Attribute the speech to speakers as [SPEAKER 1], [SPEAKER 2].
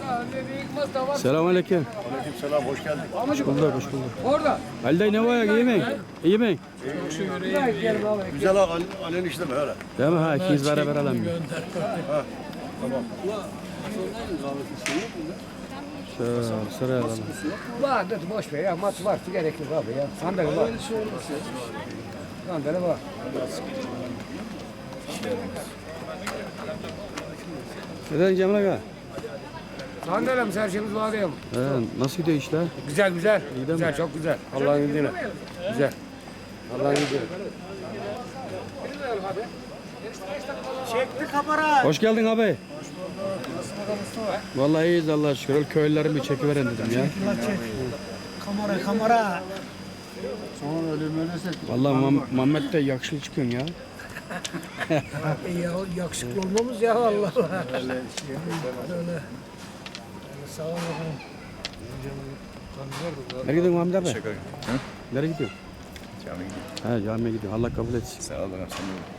[SPEAKER 1] Selamünaleyküm.
[SPEAKER 2] Aleykümselam, hoş geldin.
[SPEAKER 1] Hoş bulduk, hoş bulduk.
[SPEAKER 3] Orada.
[SPEAKER 1] Ali dayı ne var ya, iyi mi? İyi mi?
[SPEAKER 2] Güzel ağ, alen işte mi öyle?
[SPEAKER 1] Değil mi? Ha, ikiniz beraber alalım.
[SPEAKER 2] Tamam.
[SPEAKER 1] Şöyle sıraya alalım.
[SPEAKER 3] Var dedi boş ver ya maç var gerek yok abi ya. Sandalye var. Sandalye var.
[SPEAKER 1] Neden Cemil Aga?
[SPEAKER 3] Sandalyemiz her şeyimiz var ya.
[SPEAKER 1] Nasıl gidiyor işler?
[SPEAKER 3] Güzel güzel.
[SPEAKER 1] İyi de
[SPEAKER 3] Güzel
[SPEAKER 1] mi?
[SPEAKER 3] çok güzel. Allah'ın izniyle. Güzel. Allah'ın izniyle.
[SPEAKER 4] Çekti kamera.
[SPEAKER 1] Hoş geldin abi. Vallahi iyiyiz Allah'a şükür. Öyle köylülerimi bir çekiveren dedim ya.
[SPEAKER 4] Kamera.
[SPEAKER 2] Sonra öyle söylesek.
[SPEAKER 1] Vallahi Muhammed de yakışıklı çıkıyorsun ya.
[SPEAKER 4] Ya yakışıklı olmamız ya Allah Allah. Öyle. Sağ ol bakalım.
[SPEAKER 1] Nereye gidiyorsun Muhammed abi?
[SPEAKER 2] Şaka.
[SPEAKER 1] Nereye gidiyorsun?
[SPEAKER 2] Cami.
[SPEAKER 1] Ha camiye gidiyorum. Allah kabul etsin.
[SPEAKER 2] Sağ olun.